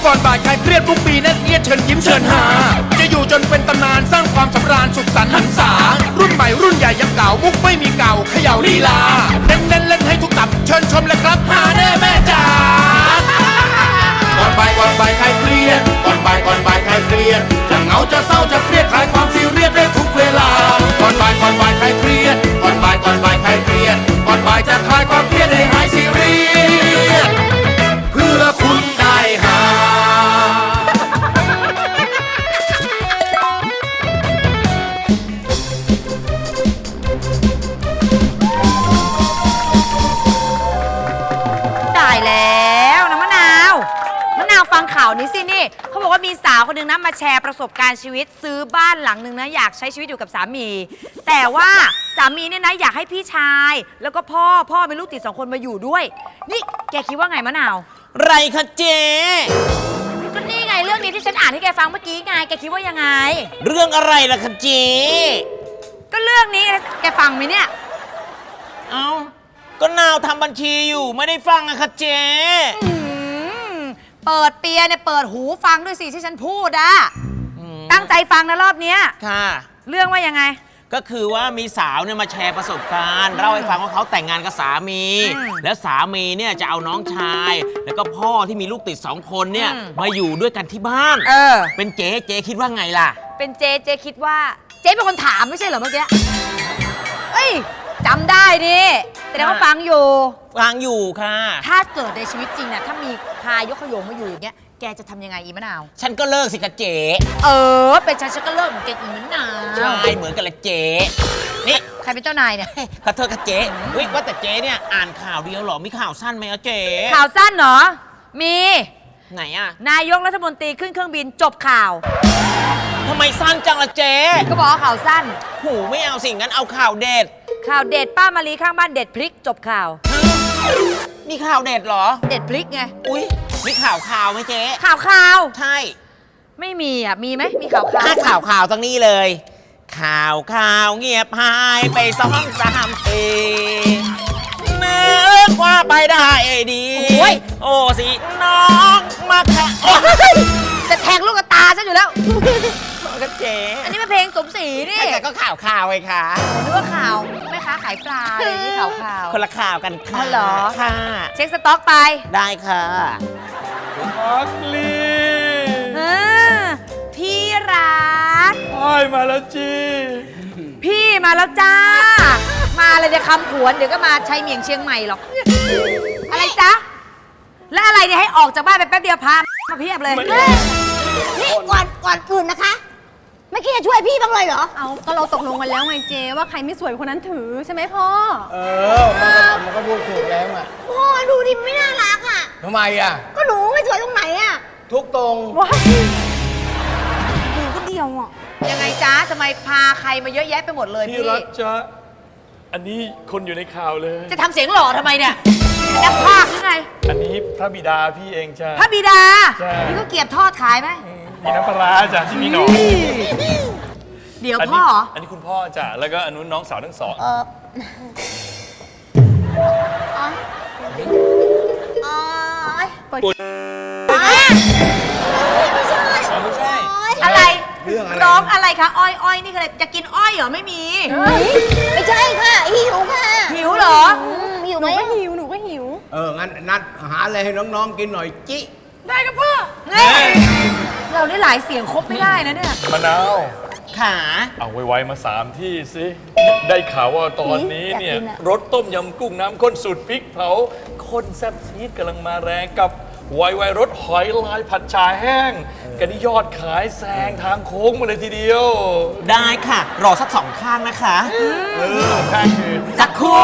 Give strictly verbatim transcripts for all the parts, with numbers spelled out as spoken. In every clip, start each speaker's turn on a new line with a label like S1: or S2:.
S1: ก่อนบ่ายคลายเครียดทุกปีแน่นเอียดเชิญยิ้มเชิญหาจะอยู่จนเป็นตำนานสร้างความสำราญสุขสันต์หันษารุ่นใหม่รุ่นใหญ่ยังเก่ามุกไม่มีเก่าเขย่าลีลาเน้นเน้นเล่นให้ทุกตับเชิญชมเลยครับหาแน่แม่จ๋าก่อนบ่ายก่อนบ่ายคลายเครียดก่อนบ่ายก่อนบ่ายคลายเครียดจะเหงาจะเศร้าจะเครียดคลายความซีเรียสได้ทุกเวลาก่อนบ่ายก่อนบ่ายคลายเครียดก่อนบ่ายก่อนบ่ายคลายเครียดก่อนบ่ายจะคลายความเครียดให้หายซีเรียสเพื่อคุณได้หา
S2: ตายแล้วนะมะนาวมะนาวฟังข่าวนี้สินี่เขาบอกว่ามีสาวคนหนึ่งนะมาแชร์ประสบการณ์ชีวิตซื้อบ้านหลังหนึ่งนะอยากใช้ชีวิตอยู่กับสามีแต่ว่าสามีเนี่ยนะอยากให้พี่ชายแล้วก็พ่อพ่อเป็นลูกติดสองคนมาอยู่ด้วยนี่แกคิดว่าไงมะนาว
S3: ไรคะเจ๊
S2: ก็นี่ไงเรื่องนี้ที่ฉันอ่านให้แกฟังเมื่อกี้ไงแกคิดว่ายังไง
S3: เรื่องอะไรล่ะคะเจ๊
S2: ก็เรื่องนี้แกฟังไหมเนี่ย
S3: เอ้าก็นาวทำบัญชีอยู่ไม่ได้ฟังอะคะเจ๊
S2: เปิดเปียเนี่ยเปิดหูฟังด้วยสิที่ฉันพูดอะตั้งใจฟังนะรอบเนี้ย
S3: ค่ะ
S2: เรื่องว่ายังไง
S3: ก็คือว่ามีสาวเนี่ยมาแชร์ประสบการณ์เล่าให้ฟังว่าเขาแต่งงานกับสามีแล้วสามีเนี่ยจะเอาน้องชายแล้วก็พ่อที่มีลูกติดสองคนเนี่ยมาอยู่ด้วยกันที่บ้าน
S2: เออ
S3: เป็นเจ๊เจ๊คิดว่าไงล่ะ
S2: เป็นเจ๊เจ๊คิดว่าเจ๊เป็นคนถามไม่ใช่เหรอเมื่อกี้เอ้ยจำได้ดิแสดงว่าฟังอยู่
S3: ฟังอยู่ค่ะ
S2: ถ้าเกิดในชีวิตจริงเนี่ยถ้ามีพายกขยงมาอยู่อย่างเงี้ยแกจะทำยังไงอีมะนาว
S3: ฉันก็เลิกสิคะเจ๊
S2: เออเป็นฉันฉันก็เลิกเหมือนแกอีมะนาว
S3: ใช่เหมือนกันเลยเจ๊นี่
S2: ใครเป็นเจ้านายเนี่ย
S3: ขอโทษค่ะเจ๊วิว่าแต่เจ๊เนี่ยอ่านข่าวเดียวหรอมีข่าวสั้นไหมคะเจ๊
S2: ข่าวสั้นเหรอมี
S3: ไหนอะ
S2: นายกรัฐมนตรีขึ้นเครื่องบินจบข่าว
S3: ทำไมสั้นจังล่ะเจ๊
S2: ก็บอกข่าวสั้น
S3: หูไม่เอาสิงั้นเอาข่าวเด็ด
S2: ข่าวเด็ดป้ามารีข้างบ้านเด็ดพริกจบข่าว
S3: มีข่าวเด็ดเหรอ
S2: เด็ดพริกไง
S3: อุ้ยมีข่าวข่าวไหมเจ๊
S2: ข่าวข่าว
S3: ใช่
S2: ไม่มีอ่ะมีไหมมีข่าวข่าว
S3: ข่าวข่าวตรงนี้เลยข่าวข่าวเงียบหายไปสองสามปีนึกว่าไปได้ดีโอ้ยโอ้สิน้องมาแค่
S2: จะแทงลูกกระตาฉันอยู่แล้ว
S3: ก็เจ๊
S2: อันนี้เป็นเพลงสมศรีนี่
S3: แต่ก็ข่าวข่าวไงคะ
S2: นึกว่าข่าวแม่ค้าขายปลาอะไรนี่ข่าวข่าว
S3: คนละข่าวกันค่ะ
S2: เหรอ
S3: ค่ะ
S2: เช็คสต็อกไป
S3: ได้ค่ะ
S1: พักลี
S2: พี่รัก
S1: อ้อยมาแล้วจี
S2: พี่มาแล้วจ้ามาเลยเดี๋ยวคำผวนเดี๋ยวก็มาชัยเมียงเชียงใหม่หรอกอะไรจ๊ะแล้วอะไรเนี่ยให้ออกจากบ้านไปแป๊บเดียวพามาเพียบเลย
S4: นี่ก่อนก่อนอื่นนะคะไม่คิดจะช่วยพี่บ้างเลยเหรอ
S5: เอาก็เราตกลงกันแล้วไงเจว่าใครไม่สวยคนนั้นถือใช่ไหมพ่อ
S6: เออมันก็มันก็พูดถูกแล้วอ่ะ
S4: พ่อดูดิไม่น่ารักอ่ะ
S6: ทำไมอ่ะ
S4: ก็หนูไม่สวยตรงไหนอ่ะ
S6: ทุกตรง
S5: ว้า
S4: หนูก็เดียวอ่ะ
S2: ยังไงจ๊ะทำไมพาใครมาเยอะแยะไปหมดเลยพี่
S1: รักจ๊ะอันนี้คนอยู่ในข่าวเลย
S2: จะทำเสียงหล่อทำไมเนี่ยนักพากย์หรือไง
S1: อันนี้พระบิดาพี่เองจ้ะ
S2: พระบิดา
S1: นี่
S2: ก็เกี๊ยวทอดขายไหม
S1: มีน้ำปลาจ้ะที่มีหนอน
S2: เดี๋ยวพ่อ
S1: อันนี้คุณพ่อจ้ะแล้วก็อันนู้นน้องสาวทั้งสอง
S4: เอออ๋ออ๋อ
S1: ปุ่น
S4: ไม่ใช่
S1: ไม่ใช่
S2: อะไรร้องอะไรคะอ้อยอ้อยนี่คืออะไรจะกินอ้อยเหรอไม่มี
S4: ไม่ใช่ค่ะหิวค่ะ
S2: หิวเหรอ
S4: หิวไหม
S5: หนูก็หิวหนูก็หิว
S6: เอองั้นนัดหาอะไรให้น้องๆกินหน่อยจิ
S2: ได้ครับพ่อเราได้หลายเสียงครบไม่ได้นะเนี่ย
S1: มะนาว
S3: ขา
S1: เอาไวๆมาสามที่สิได้ข่าวว่าตอนนี้เนี่ยรสต้มยำกุ้งน้ำข้นสูตรพริกเผาข้นแซ่บซีดกำลังมาแรงกับไวไวรสหอยลายผัดชาแห้งกันนี่ยอดขายแซงทางโค้งมาเลยทีเดียว
S3: ได้ค่ะรอสักสองข้างนะคะ
S1: เออสองข้างคือ
S3: สักคู่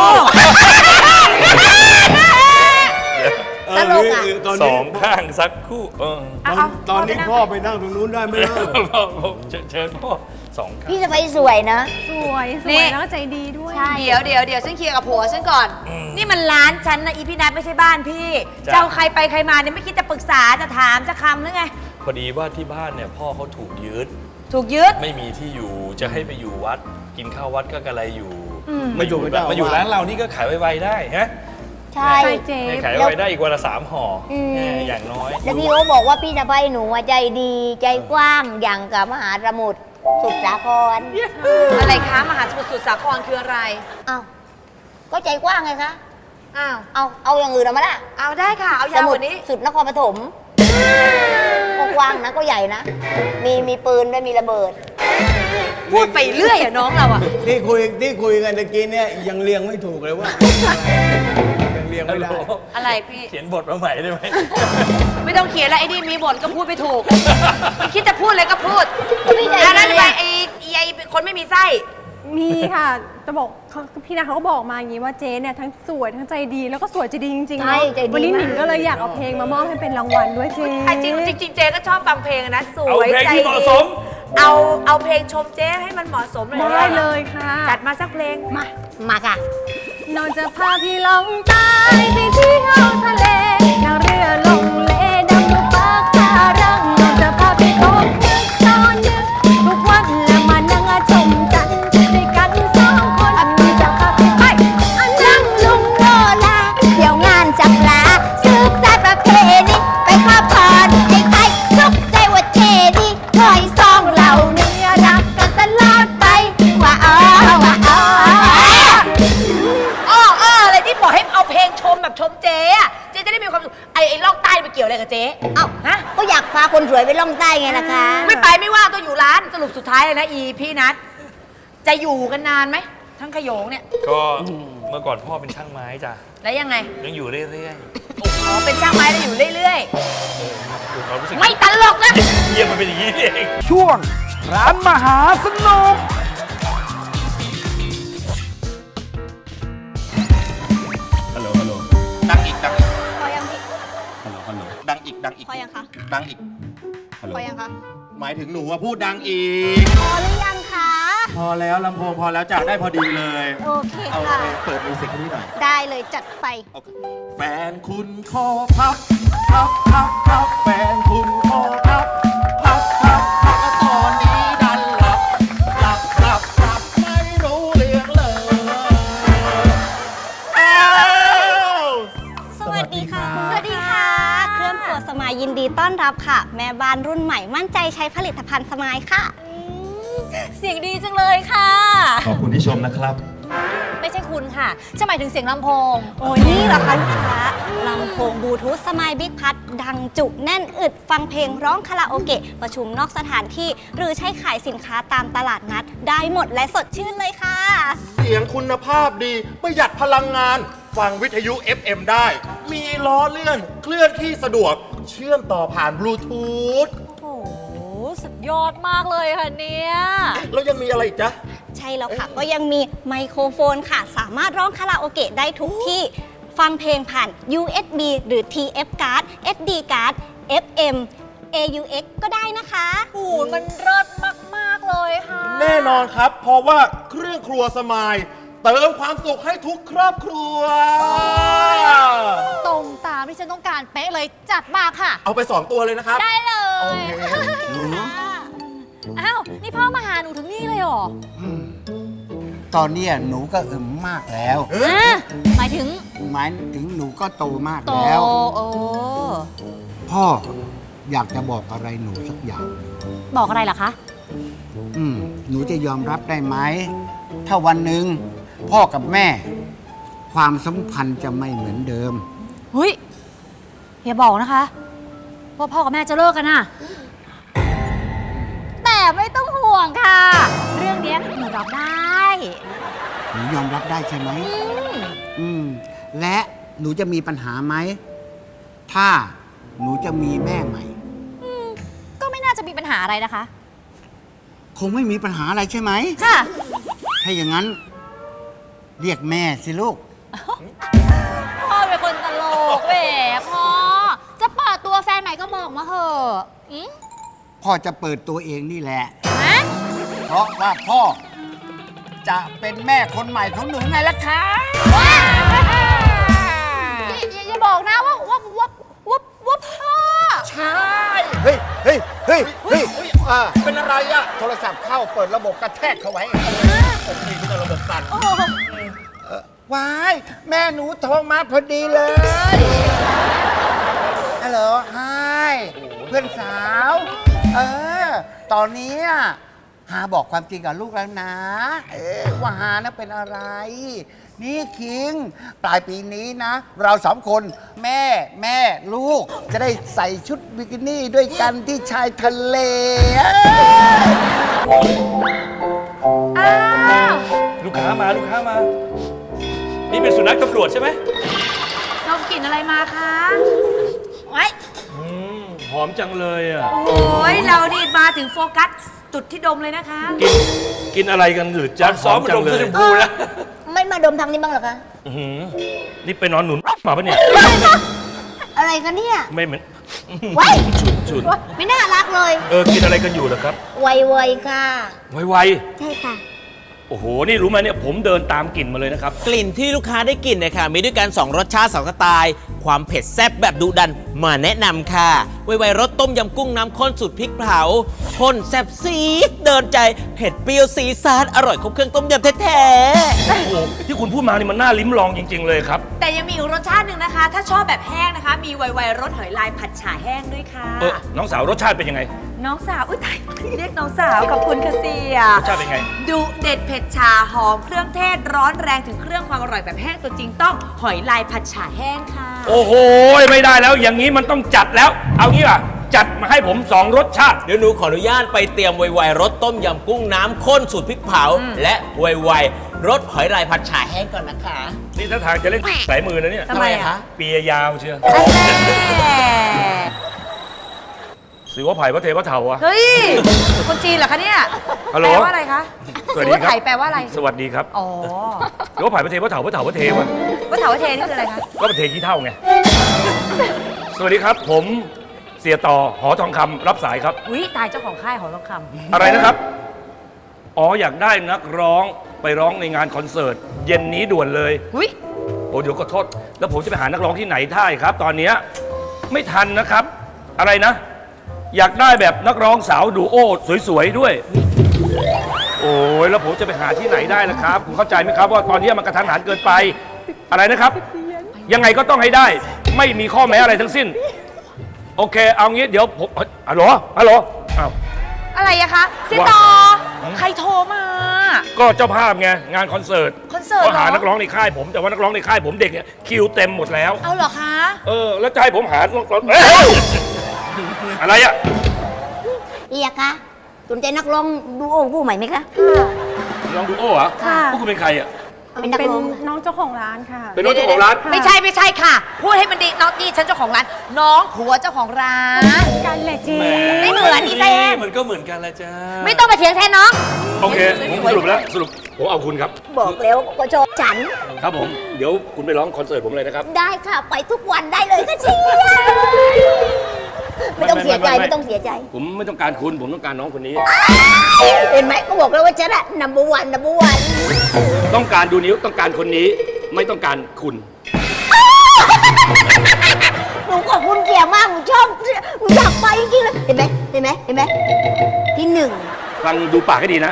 S6: ตลกอ่ะ
S1: สองข้างสักคู่เออ
S6: ตอนนี้พ่อไปนั่งตรงนู้นได้ไหมล่ะ
S1: เชิญพ่อสองข้าง
S4: พี่จะไปสวยนะ
S5: สวยสวยแล้วก็ใจดีด้วย
S2: เดี๋ยวเดี๋ยวเดี๋ยวฉันเคลียร์กับผัวฉันก่อนนี่มันร้านฉันนะอีพี่นัทไม่ใช่บ้านพี่เจ้าใครไปใครมาเนี่ยไม่คิดจะปรึกษาจะถามจะคำหรือไง
S1: พอดีว่าที่บ้านเนี่ยพ่อเขาถูกยึด
S2: ถูกยึด
S1: ไม่มีที่อยู่จะให้ไปอยู่วัดกินข้าววัดก็กระไรอยู่
S6: ไม่อยู่ไม่ได้
S1: มาอยู่ร้านเรานี่ก็ขายไวๆได้ฮะ
S4: ใช่
S5: ใช่เจ๊
S7: เนี่ยขายไว้ได้อีกวันละสามห่ออ
S4: ม
S7: แหมอย่างน้อย
S4: แล้วพี่เขาบอกว่าพี่สะใภ้หนูอะใจดีใจกว้างอย่างกับมหาสมุทรสุดสาคร
S2: อะไรคะมหาสมุทรสุดสาครคืออะไร
S4: อ้าวก็ใจกว้างไงคะ
S2: อ้าว
S4: เอาเอาอย่างอื่นเอามาละ
S2: เอาได้ค่ะ เอา
S4: ส
S2: ยาว
S4: มุ
S2: ก
S4: ทร
S2: ว่านี้
S4: สุดนครปฐมก็กว้างนะก็ใหญ่นะ มีมีปืนด้วยมีระเบิด
S2: พูดไปเรื่อยอะน้องเราอะ
S6: ที่คุยที่คุยกันตะกี้เนี่ยยังเรียงไม่ถูกเลยว่ายังเรียงไม่ได้
S2: อะไรพี่
S7: เขียนบทมาใหม่ได้ไหม
S2: ไม่ต้องเขียนแล้วไอ้นี่มีบทก็พูดไม่ถูก มันคิดจะพูดอะไรก็พูด
S4: ไม่ใจดี
S2: อันนั้นไปไอ้ไอ้คนไม่มีไส้
S5: มีค่ะจะบอกเขาพี่นาเขาก็บอกมาอย่างนี้ว่าเจ๊เนี่ยทั้งสวยทั้งใจดีแล้วก็สวยใจดีจริงๆ
S4: ใช่
S5: เนาะ
S4: ใจดี
S5: วันนี้หนิง
S4: มาก
S5: ก็เลยอยากเอาเพลงมามอบให้เป็นรางวัลด้วยเจ๊
S2: ไอ้จริงจริงๆเจ๊ก็ชอบฟังเพลงนะส
S7: เอา
S2: วย
S7: เพลง
S2: ใจ
S7: ที่เหมาะสม
S2: เอาเอาเพลงชมเจ๊ให้มันเหมาะสมเลย
S5: ได้เลยค่ะ
S2: จัดมาสักเพลง
S5: มา
S4: มาค่ะ
S5: นอนจะพาพี่ลองใต้ไปเที่ยวทะเลนั่งเรือลงเลดำดูปะการังนอนจะพาพี่คบนึกตอนนึกทุกวันและมานั่งชมจันทร์ด้วยกันสองคนมีจะพาพี่ไปอันนั่งลุงโนลา
S4: เดี๋ยวงานจักลาสืบสายประเพณีไปขอพรให้ใครทุกใจว่าเจดีคอยซองเหล่านี้รักกันตลอดไปว่าอ๋อว่าอ๋อ
S2: อ้ออ้ออะไรที่บอกให้เอาเพลงชมแบบชมเจ๊อะเจ๊จะได้มีความสุขไอ้ไอ้ล่องใต้ไปเกี่ยวอะไรกับเจ๊
S4: เอ้า
S2: ฮะ
S4: ก็อยากพาคนสวยไปล่องใต้ไงล่ะคะ
S2: ไม่ไปไม่ว่างต้องอยู่ร้านสรุปสุดท้ายเลยนะอีพี่นัทจะอยู่กันนานไหมทั้งขโยงเนี่ย
S7: ก็เมื่อก่อนพ่อเป็นช่างไม้จ้ะ
S2: แล้วยังไง
S7: ยังอยู่เรื่อย
S2: อ๋อเป็นช่างไม้แล้วอยู่เรื่อย
S7: ๆดูความรู้สึก
S2: ๆ ไม่ตลกนะ
S7: เยี่ยมมันเป็นอย่างนี้นี่เอง
S1: ช่วงร้านมหาสนุก
S8: ฮัลโหล ฮัลโหล
S9: ดังอีกดังอีก
S4: พอยังพี่
S8: ฮัลโหล ฮัลโหล
S9: ดังอีกดังอีก
S4: พอยังคะ
S9: ดังอีก
S8: ฮัลโหล
S4: พอยังคะ
S9: หมายถึงหนูว่าพูดดังอีก
S4: พอหรือยังคะ
S9: พอแล้วลำโพงพอแล้วจากได้พอดีเลย
S4: โอเค
S9: เอา
S4: ค่ะ
S9: ไปเปิดมิวสิกให้พี่หน่อย
S4: ได้เลยจัดไป
S9: โอเคแฟนคุณคอพับพับพับพับแฟนคุณคอพับพับพับพับตอนนี้ดันหลับหลับหลับหลับไม่รู้เรื่องเลยอ้าว
S10: สวัสดีค่ะ สวัสดีค่ะ เครื่องครัวสมายยินดีต้อนรับค่ะ แม่บ้านรุ่นใหม่มั่นใจใช้ผลิตภัณฑ์สมายค่ะ
S11: เสียงดีจังเลยค่ะ
S9: ขอบคุณที่ชมนะครับ
S11: ไม่ใช่คุณค่ะจะหมายถึงเสียงลำโพง
S10: โอ้ยนี่เหรอคะลูกค้าลำโพงบลูทูธสมายบิ๊กพัดดังจุแน่นอึดฟังเพลงร้องคาราโอเกะ ประชุมนอกสถานที่ หรือใช้ขายสินค้าตามตลาดนัด ได้หมดและสดชื่นเลยค่ะ
S9: เสียงคุณภาพดีประหยัดพลังงาน ฟังวิทยุ เอฟ เอ็ม ได้ มีล้อเลื่อน เคลื่อนที่สะดวก เชื่อมต่อผ่านบลูทูธ
S11: โอ้โห สุดยอดมากเลยค่ะเนี่ย
S9: แล้วยังมีอะไรอีกจ๊ะ
S10: ใช่แล้วค่ะ ก็ยังมีไมโครโฟนค่ะ สามารถร้องคาราโอเกะได้ทุกที่ ฟังเพลงผ่าน ยู เอส บี หรือ ที เอฟ card เอส ดี card เอฟ เอ็ม เอ ยู เอ็กซ์ ก็ได้นะคะ
S11: โอ้โหมันเลิศมาก ๆ เลยค่ะ
S9: แน่นอนครับ เพราะว่าเครื่องครัวสมาย เติมความสุขให้ทุกครอบครัว
S11: ตรงตามที่ฉันต้องการเป๊ะเลยจัดมาค่ะ
S9: เอาไปสองตัวเลยนะครับ
S11: ได้เล
S9: โอย เค
S11: อ้าว นี่พ่อมาหาหนูถึงนี่เลยเหรอ
S6: ตอนเนี้ยหนูก็อึมมากแล้ว
S11: อ่ะหมายถึง
S6: หมายถึงหนูก็โตมาก
S11: โต
S6: แล้ว
S11: โอ้
S6: พ่ออยากจะบอกอะไรหนูสักอย่าง
S11: บอกอะไรล่ะคะ
S6: อืม หนูจะยอมรับได้ไหม ถ้าวันหนึ่งพ่อกับแม่ ความสัมพันธ์จะไม่เหมือนเดิม
S11: เฮ้ย อย่าบอกนะคะ ว่าพ่อกับแม่จะเลิกกันน่ะ แต่ไม่ต้องห่วงค่ะ เรื่องเนี้ยหนูรับได้
S6: หนูยอมรับได้ใช่ไหม อืม และหนูจะมีปัญหาไหม ถ้าหนูจะมีแม่ใหม่
S11: ก็ไม่น่าจะมีปัญหาอะไรนะคะ
S6: คงไม่มีปัญหาอะไรใช่ไหม
S11: ค่ะ
S6: ถ้าอย่างนั้น เรียกแม่สิลูก
S11: พ่อเป็นคนตลกแหมพ่อ จะเปิดตัวแฟนใหม่ก็บอกมาเถอะอืม
S6: พ่อจะเปิดตัวเองนี่แหละ
S11: ฮะ
S6: เพราะว่าพ่อจะเป็นแม่คนใหม่ของหนูไงล่ะคะ
S11: อย่าอย่าอย่าบอกนะว่าว่าว่าว่าว่าพ่อ
S6: ใช่ เฮ้ย เฮ้ย เฮ้ย เฮ้ยอ่า
S9: เป็นอะไรอ่ะ
S6: โทรศัพท์เข้าเปิดระบบกระแทกเขาไว้
S9: โอเคที่ระบบสั่น
S11: โอ้โห
S6: ว้ายแม่หนูโทรมาพอดีเลยฮัลโหลไฮเพื่อนสาว เออ ตอนนี้หาบอกความจริงกับลูกแล้วนะ เออว่าหานะเป็นอะไร นี่คิง ปลายปีนี้นะ เราสองคนแม่แม่ลูก จะได้ใส่ชุดบิกินี่ด้วยกันที่ชายทะเล
S2: อ้าว
S7: ลูกค้ามาลูกค้ามา นี่เป็นสุนัขตำรวจใช่ไหม
S2: ดมกลิ่นอะไรมาคะ
S4: ไว้
S7: อืมหอมจังเลยอ่ะ
S2: โอ้ยเรานี่มาถึงโฟกัสจุดที่ดมเลยนะคะ
S7: กินกินอะไรกันหรือจ้าซ้อมมาดมเสื้อชมพูนะ
S4: ไม่มาดมทางนี้บ้างเหรอคะ
S7: อื้อหือนี่ไปนอนหนุนมาปะเนี่ย
S4: อะไรกันเนี่ย
S7: ไม่เหมือน
S4: ไว้
S7: ฉุนฉุน
S4: ไม่น่ารักเลย
S7: เออกินอะไรกันอยู่เหรอครับ
S4: ไวๆค่ะ
S7: ไว
S4: ใช่ค่ะ
S7: ๆโอ้โหนี่รู้ไหมเนี่ยผมเดินตามกลิ่นมาเลยนะครับ
S3: กลิ่นที่ลูกค้าได้กลิ่นเนี่ยค่ะมีด้วยกันสองรสชาติสองสไตล์ความเผ็ดแซ่บแบบดุดันมาแนะนำค่ะไวๆรสต้มยำกุ้งน้ำข้นสูตรพริกเผาข้นแซ่บซีดเดินใจเผ็ดเปรี้ยวซีซาดอร่อยครบเครื่องต้มยำแท้ๆ
S7: โอ้โหที่คุณพูดมานี่มันน่าลิ้มลองจริง ๆ เลยครับ
S2: แต่ยังมีอีกรสชาติหนึ่งนะคะ ถ้าชอบแบบแห้งนะคะ มีไวๆรสหอยลายผัดฉ่าแห้งด้วยค่ะ
S7: เออน้องสาวรสชาติเป็นยังไง
S2: น้องสาว อุ้ยตายเรียกน้องสาวขอบคุณค่ะเสีย
S7: รสชาติเป็นไง
S2: ดูเด็ดเผ็ดชาหอมเครื่องเทศร้อนแรงถึงเครื่องความอร่อยแบบแห้งตัวจริงต้องหอยลายผัดฉ่าแห้งค่ะ
S7: โอ้โหไม่ได้แล้วอย่างนี้มันต้องจัดแล้ว เอางี้ป่ะจัดมาให้ผมสองรสชาติ
S3: เดี๋ยวหนูขออนุญาตไปเตรียมไวๆรสต้มยำกุ้งน้ำข้นสูตรพริกเผา และไวๆรสหอยลายผัดฉ่าแห้งก่อนนะคะ
S7: นี่ถ้าทางจะเล่นสายมือนะเนี่ย
S2: ทำไมอะ
S7: เปียยาวเชียว
S2: แม่
S7: สือว่าไผ่พระเทพระเถาอะ
S2: เฮ้ย คนจีนเหรอคะเนี่ย
S7: ฮัลโหล
S2: แปลว่าอะไรคะ
S7: สวัสดี
S2: ว่า
S7: ครับ
S2: ไถ่แปลว่าอะไร
S7: สวัสดีครับ
S2: อ๋อ
S7: สือว่าไผ่พระเทพระเถาพระเถาพระเทวะ
S2: ว่าเถาว่าเทนี่คืออะไรคะ
S7: ก็ประเทศขี้เท่าไง สวัสดีครับ ผมเสียต่อหอทองคำรับสายครับ
S2: อุ้ยตายเจ้าของค่ายหอทองคำ
S7: อะไรนะครับ อ๋ออยากได้นักร้องไปร้องในงานคอนเสิร์ตเย็นนี้ด่วนเลย
S2: อุ้ย
S7: โอ้เดี๋ยวขอโทษ แล้วผมจะไปหานักร้องที่ไหนได้ครับ ตอนเนี้ยไม่ทันนะครับ อะไรนะ อยากได้แบบนักร้องสาวดูโอสวยๆด้วย โอ้ยแล้วผมจะไปหาที่ไหนได้ล่ะครับคุณเข้าใจไหมครับว่าตอนนี้มันกระทันหันเกินไป อะไรนะครับ ยังไงก็ต้องให้ได้ ไม่มีข้อแม้อะไรทั้งสิ้น โอเค เอางี้เดี๋ยวผมฮัลโหลฮัลโหลอ้าว
S2: อะไรอะคะซิตอใครโทรมา
S7: ก็เจ้าภาพไงงานคอนเสิร์ต
S2: คอนเสิร์ต
S7: ก็หา
S2: เหรอ
S7: นักร้องในค่ายผมแต่ว่านักร้องในค่ายผมเด็กเนี่ยคิวเต็มหมดแล้ว
S2: เอาเหรอคะ
S7: เออแล้วจะให้ผมหานักร้องเอ้ยอะไรอะ
S4: เรียกคะสนใจนักร้องดูโอ้ผู้ใหม่ไหมคะ
S7: ลองดูโอ้เหรอ
S5: ค่ะ
S7: พวกคุณเป็นใครอ่ะ
S4: เป็นนัก
S5: เป็น
S4: ร้อง
S5: น้องเจ้าของร้านค่ะ
S7: เป็นน้องเจ้าของร้าน
S2: ไม่ใช่ไม่ใช่ค่ะ พูดให้มันดีน้องนี่ฉันเจ้าของร้าน น้องผัวเจ้าของร้าน
S5: กันแหละจี
S2: ไม่เหมือนอีแซม
S7: มันก็เหมือนกันละจ้า
S2: ไม่ต้องมาเถียงแทนน้อง
S7: โอเคผมสรุปแล้วสรุปผมเอาคุณครับ
S4: บอกแล้วก็ชอบฉัน
S7: ครับผมเดี๋ยวคุณไปร้องคอนเสิร์ตผมเลยนะครับ
S4: ได้ค่ะ ไปทุกวันได้เลยค่ะเชียไม่ต้องเสียใจไม่ต้องเสียใจ
S7: ผมไม่ต้องการคุณผมต้องการน้องคนนี้
S4: เห็นไหมก็บอกแล้วว่าฉันอะ number one number one
S7: ต้องการดูนิ้วต้องการคนนี้ไม่ต้องการคุณ
S4: หนูขอบคุณเกียร์มากหนูชอบหนูอยากไปจริงๆเลยเห็นไหมเห็นไหมเห็นไหมที่หนึ่ง
S7: ฟังดูปากให้ดีนะ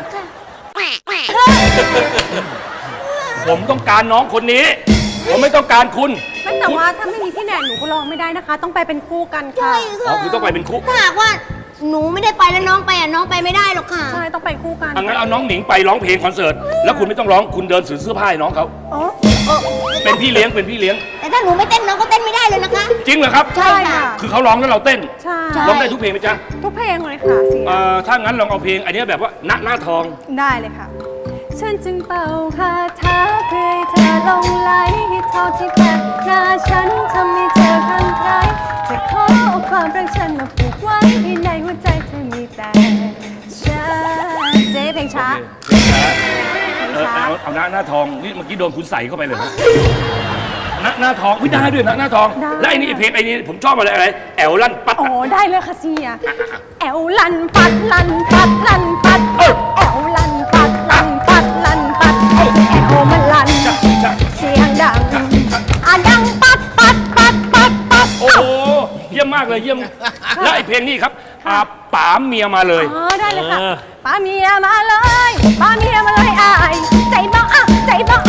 S7: ผมต้องการน้องคนนี้ ผมไม่ต้องการคุณ
S5: ไม่แต่ว่าถ้าไม่มีพี่แหนนหนูก็ร้องไม่ได้นะคะ ต้องไปเป็นคู่กันค่ะ
S4: ใช่
S7: อ๋อ
S4: ค่ะ
S7: คือต้องไปเป็นคู่
S4: ถ้าหากว่าหนูไม่ได้ไปแล้วน้องไปอ่ะน้องไปไม่ได้หรอกค่ะ
S5: ใช่ ต้องไปคู่กัน
S7: อังั้นเอาน้องหนิงไปร้องเพลงคอนเสิร์ตแล้วคุณไม่ต้องร้องคุณเดินถือเสื้อผ้าให้น้องเขา
S5: อ๋อ
S4: เออ
S7: เป็นพี่เลี้ยงเป็นพี่เลี้ยง
S4: แต่ถ้าหนูไม่เต้นน้องก็เต้นไม่ได้เลยนะคะ
S7: จริงเหรอครับ
S4: ใช่ค่ะ
S7: คือเขาร้องแล้วเราเต้น
S5: ใช่
S4: ใช่
S7: ร้องได้ทุกเพลงไหมจ๊ะ
S5: ทุกเพลงเลยค่ะเสีย
S7: เอ่อถ้างั้นลองเอาเพลงอันเนี้ยแบบว่าณหน้าทอง
S5: ได้เลยค่ะ ฉันจึงเป่าคาถาเพื่อให้เธอหลงไหลให้เท่าที่แปลกหน้าฉันทำให้เธอคลั่งไคล้จะขอเอาความรักฉันมาผูกไว้ให้ในหัวใจเธอมีแต่ฉันเจ๊เพลงช้า
S7: เออเอาเอาหน้าหน้าทองนี่เมื่อกี้โดนคุณใส่เข้าไปเลยนะหน้าหน้าทองวิได้ด้วยนะหน้าทอง
S5: ได้
S7: และไอ้นี่เพลงไอ้นี่ผมชอบอะไรอะไรแอลลั่นปัด
S5: อ๋อได้เลยค่ะเสียแอวลันปัดลันปัดลันปัดแอวลันปัดลันปัดลันปัดแอวมันลันเสียงดังอ่ะดังปัดปัดปัดปัดปัด
S7: โอ้โหเยี่ยมมากเลยเยี่ยมและไอ้เพลงนี้ครับอาป๋าเมียมาเลย
S5: อ๋อได้เลยค่ะ
S7: เออ
S5: ป้าเมียมาเลยป้าเมียมาเลยอายใจบ้าอ่ะใจบ้าอ่ะลัน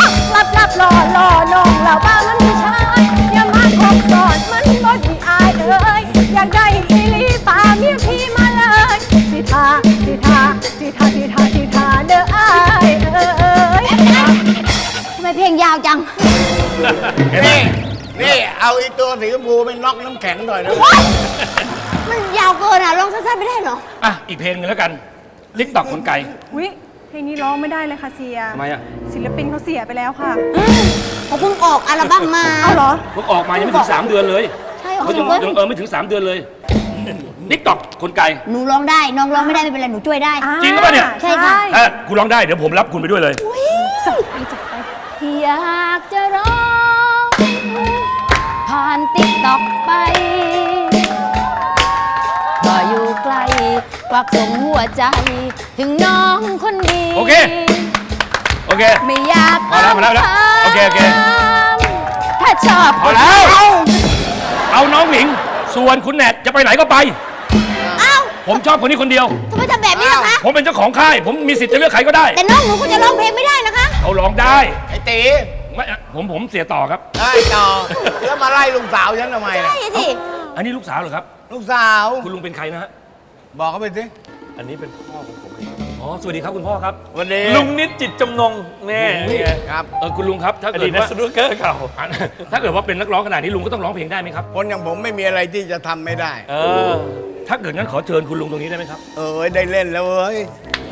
S5: บรับรอรอน้องเราบ้างมันผู้ชายอย่ามาคบสอนมันบดมีอายเอ้ยอยากได้อีหลีป่าเมียพี่มาเลยสิทาสิทาสิทาสิทาสิทาเด้ออายเอ้ย
S4: ทำไมเพลงยาวจัง
S6: นี่ นี่เอาไอ้ตัวสีชมพูไปน็อกน้ำแข็งหน่อยนะ
S4: มันยาวเกินอ่ะร้องสั้นๆไม่ได้เหรอ
S7: อ่ะ อีกเพลงหนึงแล้วกันลิกตอกคนไกล
S5: อุ๊ยเพลงนี้ร้องไม่ได้เลยค่ะเสีย
S7: ทำไมอ่ะ
S5: ศิลปินเขาเสียไปแล้วค่ะ
S4: เขาเพิ่งออกอัลบั้มมา
S5: เอาเหรอ
S7: เพิ่งออกมายังไม่ถึงสามเดือนเลย
S4: ใช่เหรอ
S7: เขายังยังเออไม่ถึงสามเดือนเลยลิกตอกคนไกล
S4: หนูร้องได้ น้องร้องไม่ได้ไม่เป็นไร หนูช่วยได้
S7: จริงหรือเปล่าเนี่ย
S4: ใช่ค่ะ
S7: ถ้าคุณร้องได้เดี๋ยวผมรับคุณไปด้วยเลย
S4: อยากจะร้องผ่านติ๊กต็อกไปก็อยู่ไกลควักส่งหัวใจ ถึงน้องคนดี
S7: โอเค โอเค
S4: ไม่อยาก
S7: พอแล้วพอแล้วพอแล้วโอเคโอเค
S4: ถ้าชอบ
S7: พอแล้ว เอาน้องหนิง ส่วนคุณแนทจะไปไหนก็ไป
S4: เอ้า
S7: ผมชอบคนนี้คนเดียว
S4: ทำไมทำแบบนี้ล่ะคะ
S7: ผมเป็นเจ้าของค่าย ผมมีสิทธิ์จะเลือกใครก็ได้
S4: แต่น้องหนูก็จะร้องเพลงไม่ได้นะคะ
S7: เอาร้องได้
S6: ไอ้ตี
S7: ไม่ผมผมเสียต่อครับ
S6: ได้ต่อแล้วมาไล่ลุงสาวฉันทำไมล่ะ
S4: ใช่สิ
S7: อันนี้ลูกสาวเหรอครับ
S6: ลูกสาว
S7: คุณลุงเป็นใครนะฮะ
S6: บอกเขาไปสิ
S8: อันนี้เป็นพ่อของผมเอง
S7: อ๋อ สวัสดีครับคุณพ่อครับ
S6: วันนี้
S8: ลุงนิดจิตจำนงแน่นี่ไง
S6: ครับ
S7: เออคุณลุงครับ ถ้า
S8: อ
S7: เกิ
S8: ดี
S7: ด
S8: ตนัก
S7: ว่า
S8: สนุกเกอร์เก่า
S7: ถ้าเกิดว่าเป็นนักร้องขนาดนี้ลุงก็ต้องร้องเพลงได้ไหมครับ
S6: คนอย่างผมไม่มีอะไรที่จะทำไม่ได้
S8: เออ
S7: ถ้าเกิดงั้นขอเชิญคุณลุงตรงนี้ได้ไหมครับ
S6: เออได้เล่นแล้วเว้ย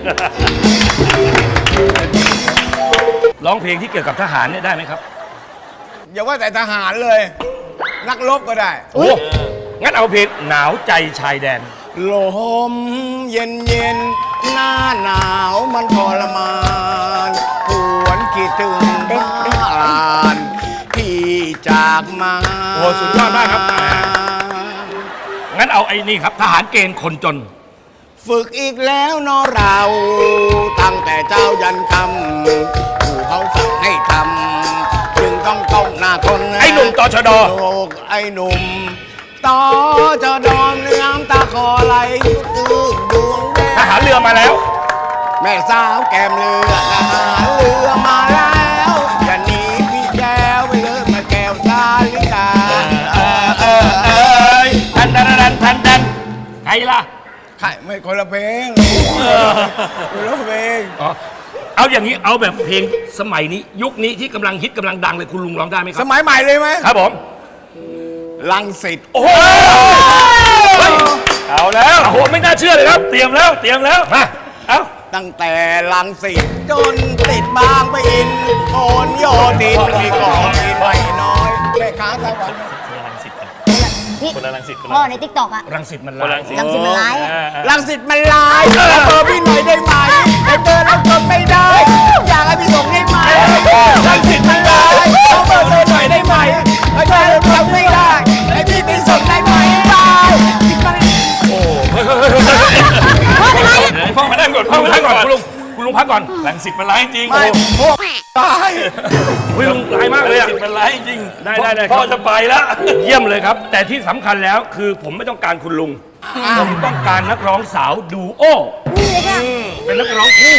S7: ร้องเพลงที่เกี่ยวกับทหารเนี่ยได้ไหมครับ
S6: อย่าว่าแต่ทหารเลย นักรบก็ได้
S7: โอ้งั้นเอาเพลงหนาวใจชายแดน
S6: ลมเย็นเย็นหน้าหนาวมันทรมานหวนคิดถึงบ้านที่จากมา
S7: โอ้สุดยอดมากครับ งั้นเอาไอ้นี่ครับทหารเกณฑ์คนจน
S6: ฝึกอีกแล้วเนอะเรา ตั้งแต่เจ้ายันคำผู้เขาสั่งให้ทำจึงต้องก้มหน้าทน
S7: ไอ้หนุ่มตชด
S6: โลกไอ้หนุ่มต่อจะดอมเนื้อตาคอไหลยุดตื้นดวงแดง
S7: ทหารเรือมาแล้ว
S6: แม่สาวแก้มเรือทหารเรือมาแล้วอย่าหนีพี่แก้วไปเลยมาแก้วตาลิกา
S7: เออเออเออทันทันทันทันทันใครล่ะ
S6: ใครไม่คนละเพลงคนละเพลง
S7: อ๋อ เอาอย่างนี้เอาแบบเพลงสมัยนี้ ยุคนี้ที่กำลังฮิตกำลังดังเลยคุณลุงร้องได้ไหมค
S6: ส
S7: รับ
S6: มัยใหม่เลยไหม
S7: ครับผม
S6: ลังสิต
S7: โอ้โหเฮ้ย
S8: เอาแล้ว
S7: โอ้โหไม่น่าเชื่อเลยครับ
S8: เตรียมแล้ว เตรียมแล้ว
S7: มา
S8: เอา
S6: ตั้งแต่ลังสิตจนติดบางไปะอินโอนโยดินมีกองมีไว้น้อยแม่ค้าตะวัน
S8: คนละรังสิตกัน
S4: พี่
S8: คนละรังสิตคนละ
S4: พ่อในติ๊กต็อกอะ
S7: รังสิตมัน
S8: คนละ
S7: ลา
S8: รั
S7: ย
S8: งสิต
S4: รังสิตมันร้ายอะ
S8: อ่อ่
S6: ลังสิตมันลายขอเบอร์พี่หน่อยได้ไหมไอ้เบอร์แล้วก็ไม่ได้ อยากให้พี่ส่งได้ไหมลังสิตมันลายขอเบอร์พี่หน่อยได้ไหมไอ้เบอร์แล้วก็ไม่ได้ไอ้พี่ไปส่งได้ไหมบายสิมัน
S7: โอ้เฮ้ยเฮ้ยเฮ้ยเฮ้ยเฮ้ยพ่อมาได้ก่อนพ่อมาได้ก่อนคุณลุงคุณลุงพักก่อน
S8: รังสิตมันร้ายจริง
S6: ไม่พวกตาย
S7: คุณลุงร้ายมากเลย
S8: รั
S7: อะ
S8: งสิตมันร้ายจริง
S7: ได้ได้ได้
S8: พ่อจะไปแล้ว
S7: เยี่ยมเลยครับ แต่ที่สำคัญแล้วคือผมไม่ต้องการคุณลุง ผมต้องการนักร้องสาวดูโอ
S4: นี่เลยค่ะ
S7: เป็นนักร้องคู่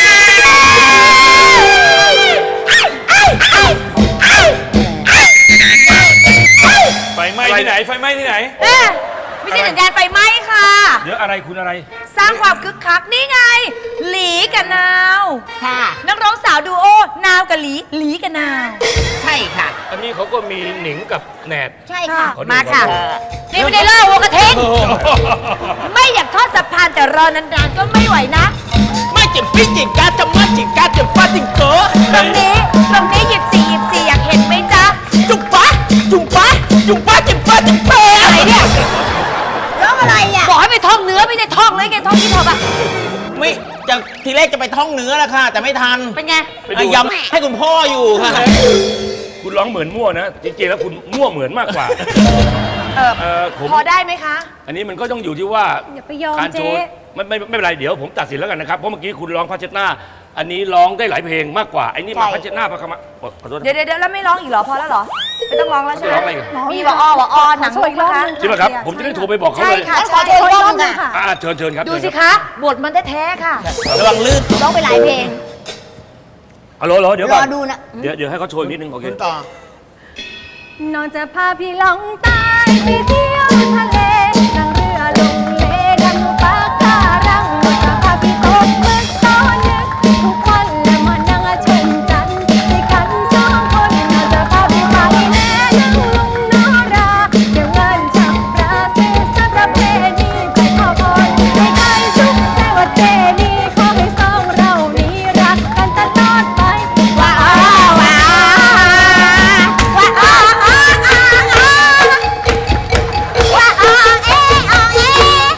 S8: ไฟไหม้ที่ไหน ไฟไหม้ที่ไหน
S2: เอ๊ะไม่ใช่สัญญาณไฟไหม้ค่ะ
S7: เดี๋ยวอะไรคุณอะไร
S2: สร้างความคึกคักนี่ไง หลีกับนาว
S4: ค่ะ
S2: นักร้องสาวดูโอ นาวกับหลี หลีกับนาว
S4: ใช่ค่ะ
S7: อันนี้เขาก็มีหนิงกับแหนด
S4: ใช่ค่ะ
S7: ขอดู
S2: มาค่ะ
S7: ขอดู
S2: นี่ไม่ได้เล่าวัวกระเทงไม่อยากทอดสะพานแต่รอนานๆก็ไม่ไหวนะ
S3: ไม่จิบพี่จิกกาจะมาจิกกาจะฟาจิงโก
S2: ตรงนี้ ตรงนี้หยิบสี่หยิบสี่อยากเห็นไหมจ๊ะ
S3: จุ๊บปะจุ๊บปะจุ๊บปะจิบปะจิบเป
S2: อะไรเนี่ย
S4: ร้องอะไรอ่ะ
S2: บอกให้ไปท่องเนื้อไม่ได้ท่องเลยแกท่องที่พอปะ
S3: ไม่จะทีแรกจะไปท่องเนื้อแล้วค่ะ แต่ไม่ทัน
S2: เป็นไง
S7: ไปดู
S3: อ่ะย้ำให้คุณพ่ออยู่ค่ะ
S7: คุณร้องเหมือนมั่วนะ จริงๆแล้วคุณมั่วเหมือนมากกว่า
S2: เออ
S7: เออผม
S2: พอได้ไหมคะ
S7: อันนี้มันก็ต้องอยู่ที่ว่า
S5: อย่าไปยอม
S7: การโช
S5: เจ๊
S7: ว์ไม่ไม่ไม่เป็นไรเดี๋ยวผมตัดสินแล้วกันนะครับ เพราะเมื่อกี้คุณร้องพาเชตนาอันนี้ร้องได้หลายเพลงมากกว่าไอ้นี่มา
S4: ใช่
S7: พาเชตนาพาคมาโอ๊ยขอโทษนะ
S2: เดี๋ยวเดี๋ยวเดี๋ยวแล้วไม่ร้องอีกเหรอ พอแล้วเหรอ ไม่ต้องร้องแล้วใช่ไหม
S7: ไม่ร้องอะไรอีก
S2: มีวออวออหนัง
S5: ขอโชว์อีกรอบ
S2: นะคะ
S5: หนึ่ง
S7: ใช่ไหมครับ ผมจะได้โทรไปบอกเขา
S2: ใช่
S7: เลย
S2: ค่ะ
S4: ขอ
S2: ใช่
S4: โทษอีกรอบหนึ่งค่ะ
S7: อ่าเชิญเชิญครับ
S2: ดู
S7: เชิญ
S2: สิ
S7: ครับ
S2: คะ บทมันแท้ๆค่ะ
S3: ระวังลื่น
S4: ร้องไปหลายเพลง
S7: ฮัลโหลฮัลโหลเดี๋ยว
S4: ร
S7: ก่อ
S4: อน ดูนะ
S7: เดี๋ยวเดี๋ยวให้เขาโชว์อีกนิดนึงโอเค
S6: คุณต่อ
S5: น้องจะพาพี่ลองใต้ไปเที่ยวทะเลนั่งเรือลงเลดำดูปะการังน้องจะพาพี่ตกหมึกตอนดึกทุกวันและมานั่งชมจันทร์ด้วยกันสองคนน้องจะพาพี่ไปแม่นั่งลุงนอราเดี๋ยวเงินฉับปราซื้อสักประเพณีไปขอพรให้ใครชุกใจว่าเจดีขอให้สองเรานี้รักกันตลอดไปว้าวว้าว
S4: ว่าอ้ออ้ออ้ออ้อว่าอ้อเออ้อเอ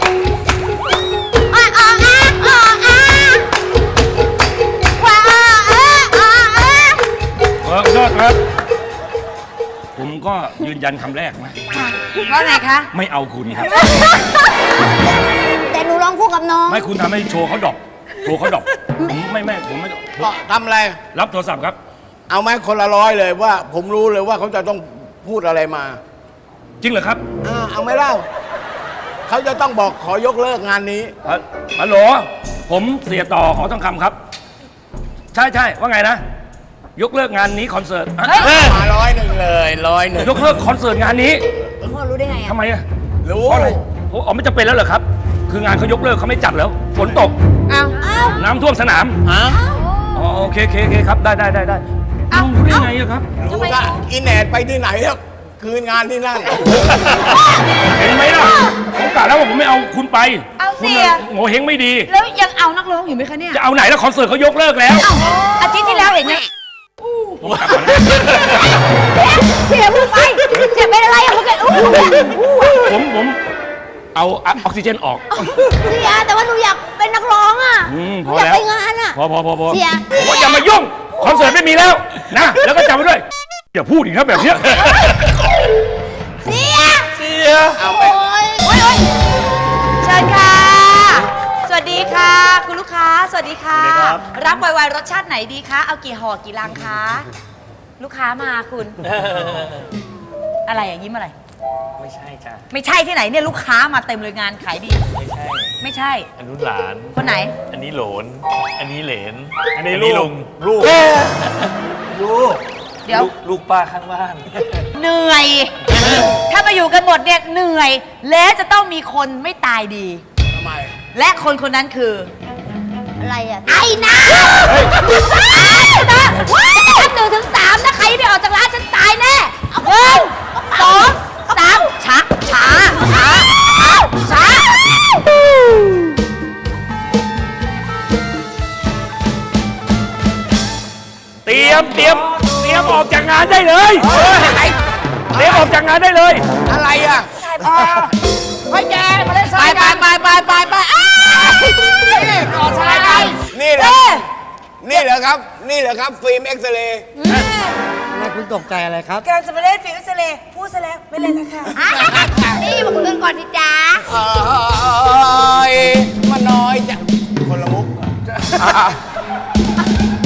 S4: ว่าอ้ออ้ออ้ออ้อว่าอ้อเออ้อเอ
S7: เออโทษครับ ผมก็ยืนยันคำแรกนะ
S2: ว่าไงคะ
S7: ไม่เอาคุณครับ
S4: แต่หนูร้องคู่กับน้อง
S7: ไม่คุณทำให้โชว์เขาดรอปโชว์เขาดรอปผมไม่ไม่ผมไม่ผม
S9: ทำอะไร
S7: รับโทรศัพท์ครับ
S9: เอาไหมคนละร้อยเลยว่า ผมรู้เลยว่าเขาจะต้องพูดอะไรมา
S7: จริงเหรอครับ
S9: อ่าเอาไหมเล่า เขาจะต้องบอกขอยกเลิกงานนี้
S7: ฮัลฮัลโหลผมเสียต่อขอต้องคำครับ ใช่ใช่ว่าไงนะ ยกเลิกงานนี้คอนเสิร์ตอ่ะ
S2: เฮ้ย
S9: มาร้อยหนึ่งเลยร้อยหนึ่ง
S7: ยกเลิกคอนเสิร์ตงานนี้
S4: พ่อรู้ได้ไงอ่ะ
S7: ทำไมอะ
S9: รู้
S7: เพราะอะไรโอ้อ๋อไม่จำเป็นแล้วเหรอครับ คืองานเขายกเลิกเขาไม่จัดแล้วฝนตก
S2: เอา
S7: น้ำท่วมสนาม
S9: ฮะ
S7: อ๋อโอเคโอเคโอเคครับได้ได้ได้ได้ลุงรู้ได้ไงอะครับ
S9: รู้ว่าอินแหนดไปที่ไหนแล้วคืนงานที่นั่น
S7: เห็นไหมล่ะผมกะแล้วว่าผมไม่เอาคุณไป
S2: เอาเสี
S7: คุณ
S2: ย
S7: น่ะโง่เฮงไม่ดี
S2: แล้วยังเอานักร้องอยู่ไหมคะเนี่ย
S7: จะเอาไหนแล้วคอนเสิร์ตเขายกเลิกแล้ว
S2: อาทิตย์ที่แล้วเห็นไหม
S7: ผมกลับก่อนนะ
S4: เสียมึงไปเสียเป็นอะไรอ่ะมึงแกอู้
S7: ผมผมเอาออกซิเจนออก
S4: เสียแต่ว่าหนูอยากเป็นนักร้องอ่ะ
S7: อืม
S4: ห
S7: พ
S4: นู
S7: อ
S4: อยาก
S7: แล้ว
S4: ไปงานอ่ะ
S7: พอพอพอพอ
S4: เสีย
S7: ผมว่าอย่ามายุ่งคอนเสิร์ตไม่มีแล้วนะแล้วก็จำไว้ด้วยอย่าพูดอีกนะแบบเนี้ย
S4: เสีย
S9: เสียเอาไป
S4: โอ้ยโอ้ยโอ้ย
S2: เชิญค่ะ สวัสดีค่ะ คุณลูกค้า สวัสดีค่ะ รับไวๆรสชาติไหนดีคะ เอากี่ห่อกี่ลังคะ ลูกค้ามาคุณ อะไรอ่ะยิ้มอะไร
S8: ไม่ใช่จ้ะ
S2: ไม่ใช่ที่ไหนเนี่ยลูกค้ามาเต็มเลยงานขายดี
S8: ไม่ใช่
S2: ไม่ใช่
S8: อันนู้นหลาน
S2: คนไหน
S8: อันนี้โหลน อันนี้เหลน
S9: อันนี้ลูก
S8: ลูก
S9: ลูก
S2: เดี๋ยว
S8: ลูกลูกป้าข้างบ้าน
S2: เหนื่อย ถ้ามาอยู่กันหมดเนี่ยเหนื่อย และจะต้องมีคนไม่ตายดี
S9: ทำไม
S2: และคนคนนั้นคือ
S4: อะไรอ่ะไอ้น้าไอ้น้าว้ายนับหนึ่งถึงสามนะใครไม่ออกจากร้านฉันตายแน่เอาหนึ่งสองสาม
S2: ช้า ช้า ช้า ช้า
S7: เตรียมเตรียมเตรียมออกจากงานได้เลยเตรียมออกจากงานได้เลย
S9: อะไรอ่ะ
S4: ไปแกมาเล่นสายกันไปไปไปไปไปก่อชายกัน
S9: นี่เหรอนี่เหรอครับ นี่เหรอครับ ฟิล์มเอ็กซเรย์
S2: การจะมาเล่นฟิวเซเลพูดซะแล้วไม่เล่นแล้วค่ะ
S4: นี่มาคุยกันก่อนสิจ๊ะ
S9: เอ้ยมาน้อยจ้ะคนละมุก